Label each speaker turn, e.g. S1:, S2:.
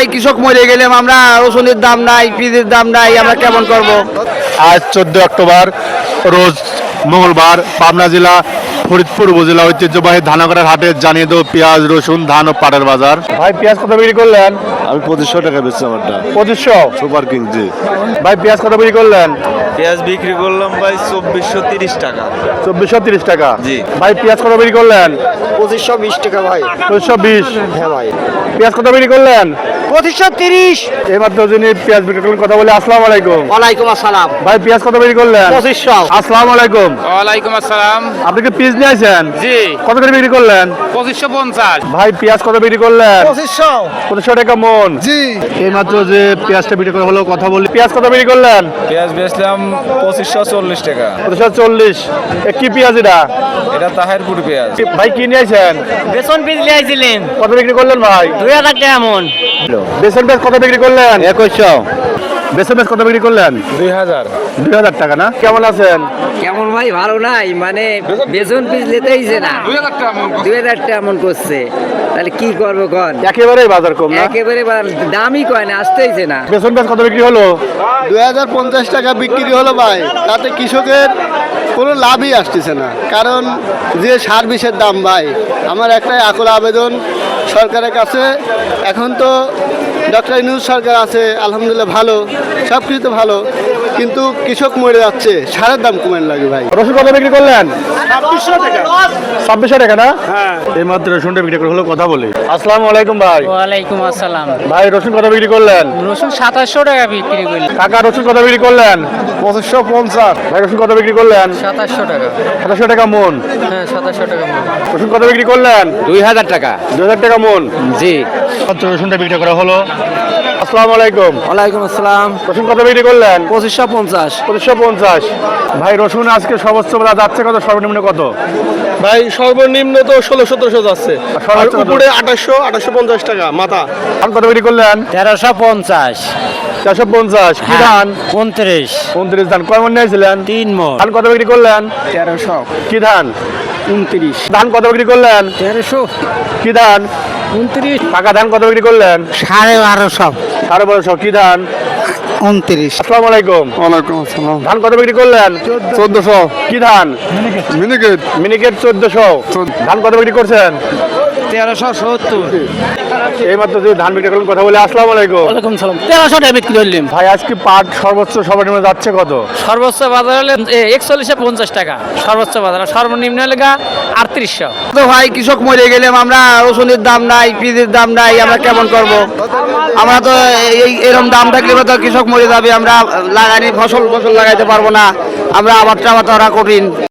S1: ভাই কৃষক মরে গেলাম আমরা, রসুনের দাম নাই, পেঁয়াজের দাম নাই, আমরা কেমন করব?
S2: আজ 14 অক্টোবর রোজ মঙ্গলবার পাবনা জেলা ফরিদপুর উপজেলা ঐতিহ্যবাহী ধানাগড়ার হাটে জানিয়ে দেবো পেঁয়াজ, রসুন, ধান ও পাটের বাজার। ভাই পেঁয়াজ কত বিক্রি করলেন?
S3: আমি 2500 টাকা বেচছি আমারটা
S2: 2500।
S3: Super king ji.
S2: ভাই পেঁয়াজ কত বিক্রি করলেন?
S4: পেঁয়াজ বিক্রি করলাম ভাই 2430 টাকা।
S2: 2430 টাকা।
S4: জি।
S2: ভাই পেঁয়াজ কত বিক্রি করলেন?
S1: 2520 টাকা ভাই।
S2: 2520।
S1: হ্যাঁ ভাই।
S2: পেঁয়াজ কত বিক্রি করলেন?
S1: 2530।
S2: এইমাত্র যিনি পেঁয়াজ বিক্রি করলেন কথা বলে আসসালামু আলাইকুম।
S1: ওয়ালাইকুম আসসালাম।
S2: ভাই পেঁয়াজ কত বিক্রি করলেন?
S1: 2500।
S2: আসসালামু আলাইকুম।
S5: ওয়ালাইকুম আসসালাম।
S2: আপনি কি পেঁয়াজ নিয়ে আসেন?
S5: জি।
S2: কত করে বিক্রি করলেন?
S5: 2550।
S2: ভাই পেঁয়াজ কত বিক্রি করলেন?
S1: 2500।
S2: 2500 টাকা মন।
S1: জি।
S2: এইমাত্র যে পেঁয়াজটা বিক্রি করা হলো কথা বলি, পেঁয়াজ কত বিক্রি করলেন?
S4: পেঁয়াজ বেচলাম 2540 টাকা।
S2: 2540। কি পেঁয়াজ এটা?
S4: এটা তাহেরপুর পেঁয়াজ।
S2: ভাই কি নিয়ে আসেন?
S6: বেসন পিস লিয়েছিলেন
S2: কত বিক্রি করলেন ভাই?
S6: 2000 টাকা এমন।
S2: বেসন পেঁয়াজ কত বিক্রি করলেন?
S1: 2100।
S2: বেসন পেঁয়াজ কত বিক্রি করলেন?
S4: 2000।
S2: 2000 টাকা না? কেমন আছেন?
S6: কেমন ভাই ভালো নাই, মানে বেসন পিস লেতেইছে না, 2000 টাকা এমন করছে, তাহলে কি করবো কন?
S2: একেবারেই বাজার কম না?
S6: একেবারে দামই কয় না, আসতেইছে না।
S2: বেসন পেঁয়াজ কত বিক্রি হলো?
S7: 2050 টাকা বিক্রি হলো ভাই, তাতে কৃষকের কোনো লাভই আসতেছে না, কারণ যে সার বিষের দাম ভাই। আমার একটাই আকুল আবেদন সরকারের কাছে, এখন তো ডক্টর ইউনূস সরকার আছে আলহামদুলিল্লাহ ভালো, সব কিছু তো ভালো, কিন্তু কৃষক মরে যাচ্ছে, সারের দাম কমেন লাগে ভাই।
S2: রসুন কত বিক্রি করলেন? 2600 টাকা না? হ্যাঁ। এইমাত্র রসুনটা বিক্রি করে হলো কথা বলি। আসসালামু আলাইকুম ভাই।
S6: ওয়ালাইকুম আসসালাম।
S2: ভাই রসুন কত বিক্রি করলেন?
S6: রসুন 2700 টাকা বিক্রি করলেন।
S2: কাকা রসুন কত বিক্রি করলেন? 2550। ভাই রসুন কত বিক্রি করলেন?
S6: 2700 টাকা।
S2: 2700 টাকা মন।
S6: হ্যাঁ 2700 টাকা।
S2: রসুন কত বিক্রি করলেন?
S1: 2000 টাকা।
S2: 2000 টাকা মন।
S1: জি।
S2: মাত্র রসুনটা বিক্রি করা হলো। আসসালামু আলাইকুম।
S1: ওয়ালাইকুম আসসালাম।
S2: রসুন কত বিক্রি করলেন?
S1: 2550।
S2: 2550। ভাই রসুন আজকে সর্বোচ্চ বেলা যাচ্ছে কত, সর্বনিম্ন কত?
S7: ভাই সর্বনিম্ন তো 1600-1700 যাচ্ছে,
S2: আর সর্বোচ্চ কত?
S7: উপরে 2800-2850 টাকা মাথা।
S2: ধান কত বিক্রি করলেন?
S6: 1350।
S2: 450। কি ধান?
S6: 29।
S2: 29 ধান। কয় মন নিয়েছিলেন?
S6: 3 মণ।
S2: ধান কত বিক্রি করলেন?
S6: 1300।
S2: কি ধান?
S6: 29।
S2: ধান কত বিক্রি করলেন?
S6: 1300।
S2: কি ধান?
S6: 29।
S2: কাকা ধান কত বিক্রি করলেন?
S6: 1250।
S2: 1250। কি ধান?
S6: 29।
S2: আসসালামু আলাইকুম।
S7: ওয়ালাইকুম আসসালাম।
S2: ধান কত বিক্রি করলেন?
S7: 1400।
S2: কি ধান?
S7: মিনিকেট।
S2: মিনিকেট 1400। ধান কত বিক্রি করছেন?
S6: 1370।
S2: এইমাত্র যে ধান বিক্রি করলেন কথা বলে আসসালামু আলাইকুম।
S6: ওয়ালাইকুম সালাম। 1300 টাকা বিক্রি করলাম।
S2: ভাই আজকে পাট সর্বোচ্চ সর্বনিম্ন যাচ্ছে কত?
S6: সর্বোচ্চ বাজার হলে 4150 টাকা সর্বোচ্চ বাজার, আর সর্বনিম্ন হলে 3800।
S1: তো ভাই কৃষক মরে গেলাম আমরা, রসুনের দাম নাই, পেঁয়াজের দাম নাই, আমরা কেমন করব? আমরা তো এরকম দাম থাকলে তো কৃষক মরে যাবে, আমরা লাগানি ফসল লাগাইতে পারবো না, আমরা আবাদ টাবাদ করা কঠিন।